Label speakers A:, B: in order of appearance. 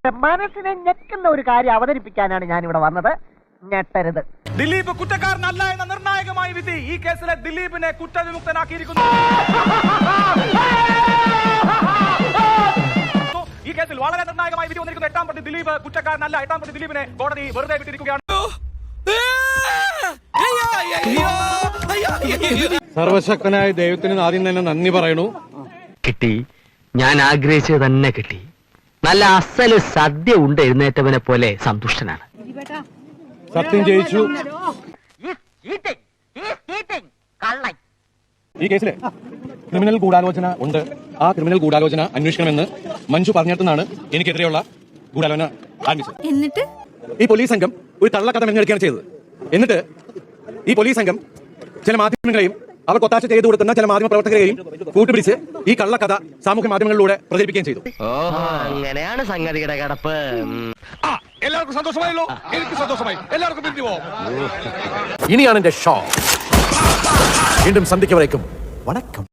A: മനസ്സിനെ ഞെക്കുന്ന ഒരു കാര്യം അവതരിപ്പിക്കാനാണ് ഞാൻ ഇവിടെ വന്നത്. ഞെട്ടരുത്.
B: ദിലീപ് കുറ്റക്കാരനല്ല എന്ന നിർണായകമായ വിധി ഈ കേസിലെ ദിലീപിനെ കുറ്റവിമുക്തനാക്കിയിരിക്കുന്നു. ഈ കേസിൽ വളരെ നിർണായകമായ വിധി വന്നിരിക്കുന്നു. 8ാം പ്രതി ദിലീപ് കുറ്റക്കാരനല്ല. 8ാം പ്രതി ദിലീപിനെ കോടതി വെറുതെ വിട്ടിരിക്കുകയാണ്.
C: സർവശക്തനായ ദൈവത്തിന് ആദ്യം തന്നെ നന്ദി പറയണു.
D: കിട്ടി, ഞാൻ ആഗ്രഹിച്ചത് തന്നെ കിട്ടി. നല്ല അസല് സദ്യ ഉണ്ട് എഴുന്നേറ്റവനെ പോലെ സന്തുഷ്ടനാണ്.
C: സത്യം ജയിച്ചു. ഈ കേസിലെ ക്രിമിനൽ ഗൂഢാലോചന ഉണ്ട്. ആ ക്രിമിനൽ ഗൂഢാലോചന അന്വേഷിക്കണമെന്ന് മഞ്ജു പറഞ്ഞിടത്തുനിന്നാണ് എനിക്കെതിരെയുള്ള ഗൂഢാലോചന ആരംഭിച്ചത്.
E: എന്നിട്ട്
C: ഈ പോലീസ് സംഘം ഒരു കള്ളക്കഥ മെനഞ്ഞെടുക്കുകയാണ് ചെയ്തത്. എന്നിട്ട് ഈ പോലീസ് സംഘം ചില മാധ്യമങ്ങളെയും അവർക്ക് ഒത്താശ ചെയ്തു കൊടുക്കുന്ന ചില മാധ്യമ പ്രവർത്തകരെയും കൂട്ടുപിടിച്ച് ഈ കള്ളക്കഥ സാമൂഹ്യ മാധ്യമങ്ങളിലൂടെ പ്രചരിപ്പിക്കുകയും ചെയ്തു.
D: അങ്ങനെയാണ് സംഗതിയുടെ കിടപ്പ്.
B: എല്ലാവർക്കും സന്തോഷമായല്ലോ. എനിക്ക് സന്തോഷമായി. എല്ലാവർക്കും പിരിഞ്ഞു പോവാം.
F: ഇനിയാണ് എന്റെ ഷോ. വീണ്ടും സന്ധിക്കവരേക്കും വണക്കം.